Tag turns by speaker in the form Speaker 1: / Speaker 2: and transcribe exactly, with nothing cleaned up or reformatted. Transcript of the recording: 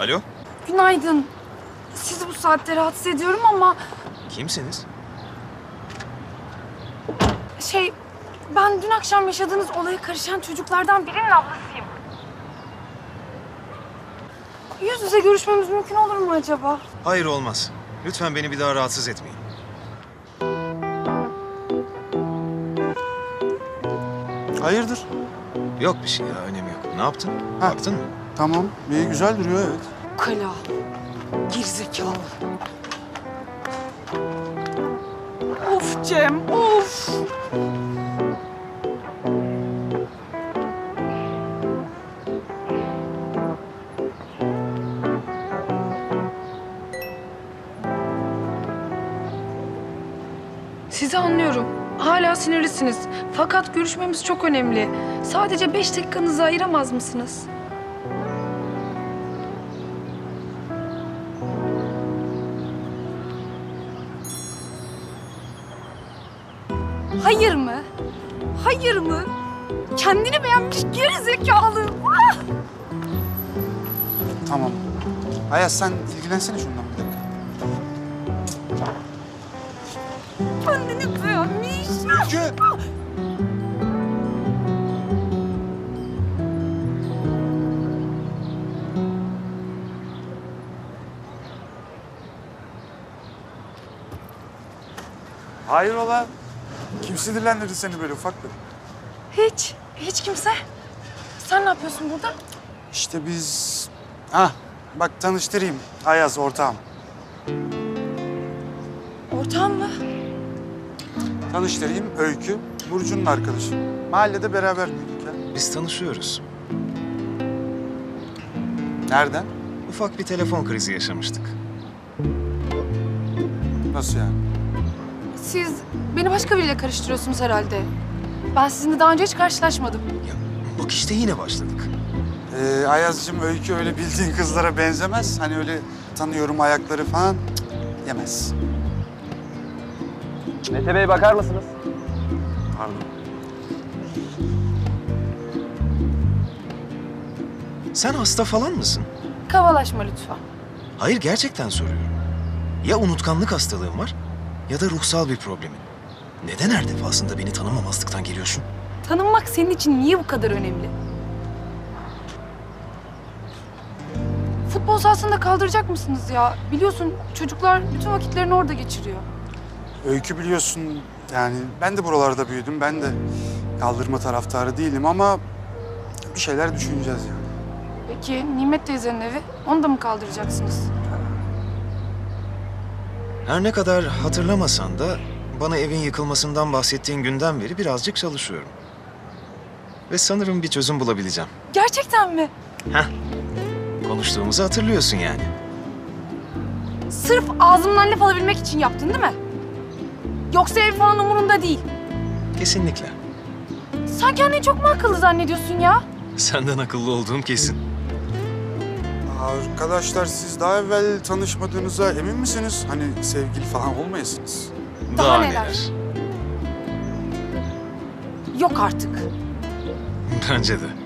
Speaker 1: Alo?
Speaker 2: Günaydın. Sizi bu saatte rahatsız ediyorum ama
Speaker 1: Kimsiniz?
Speaker 2: şey, ben dün akşam yaşadığınız olaya karışan çocuklardan birinin ablasıyım. Yüz yüze görüşmemiz mümkün olur mu acaba?
Speaker 1: Hayır, olmaz. Lütfen beni bir daha rahatsız etmeyin.
Speaker 3: Hayırdır?
Speaker 1: Yok bir şey ya, önemi yok. Ne yaptın?
Speaker 3: Ha.
Speaker 1: Baktın mı?
Speaker 3: Tamam. İyi, güzel duruyor, evet.
Speaker 2: Kala. Gerizekalı. Of Cem, of. Sizi anlıyorum. Hala sinirlisiniz. Fakat görüşmemiz çok önemli. Sadece beş dakikanızı ayıramaz mısınız? Hayır mı? Hayır mı? Kendini beğenmiş geri zekalı. Ah!
Speaker 3: Tamam. Ayaz, sen ilgilensene şundan bir dakika.
Speaker 2: Kendini beğenmiş.
Speaker 3: Ülkü! Hayrola? Kim sinirlendirdi seni böyle ufaklık?
Speaker 2: Hiç, hiç kimse. Sen ne yapıyorsun burada?
Speaker 3: İşte biz... Hah, bak tanıştırayım. Ayaz, ortağım.
Speaker 2: Ortağım mı?
Speaker 3: Tanıştırayım, Öykü. Burcu'nun arkadaşı. Mahallede beraber büyüdük ya.
Speaker 1: Biz tanışıyoruz.
Speaker 3: Nereden?
Speaker 1: Ufak bir telefon krizi yaşamıştık.
Speaker 3: Nasıl yani?
Speaker 2: Siz beni başka biriyle karıştırıyorsunuz herhalde. Ben sizinle daha önce hiç karşılaşmadım.
Speaker 1: Ya bak işte yine başladık.
Speaker 3: Ee, Ayaz'cığım, Öykü öyle bildiğin kızlara benzemez. Hani öyle tanıyorum ayakları falan, cık, yemez.
Speaker 4: Mete Bey bakar mısınız?
Speaker 3: Pardon.
Speaker 1: Sen hasta falan mısın?
Speaker 2: Kavalaşma lütfen.
Speaker 1: Hayır, gerçekten soruyorum. Ya unutkanlık hastalığın var ya da ruhsal bir problemin. Neden her defasında beni tanımamazlıktan geliyorsun?
Speaker 2: Tanınmak senin için niye bu kadar önemli? Futbol sahasında kaldıracak mısınız ya? Biliyorsun çocuklar bütün vakitlerini orada geçiriyor.
Speaker 3: Öykü biliyorsun, yani ben de buralarda büyüdüm. Ben de kaldırma taraftarı değilim ama bir şeyler düşüneceğiz yani.
Speaker 2: Peki Nimet teyzenin evi, onu da mı kaldıracaksınız?
Speaker 1: Her ne kadar hatırlamasan da bana evin yıkılmasından bahsettiğin günden beri birazcık çalışıyorum. Ve sanırım bir çözüm bulabileceğim.
Speaker 2: Gerçekten mi?
Speaker 1: Heh, konuştuğumuzu hatırlıyorsun yani.
Speaker 2: Sırf ağzımdan laf alabilmek için yaptın değil mi? Yoksa ev falan umurunda değil.
Speaker 1: Kesinlikle.
Speaker 2: Sen kendini çok mu akıllı zannediyorsun ya?
Speaker 1: Senden akıllı olduğum kesin.
Speaker 3: Arkadaşlar, siz daha evvel tanışmadığınıza emin misiniz? Hani sevgili falan olmayasınız.
Speaker 2: Daha neler? Yok artık.
Speaker 1: Bence de.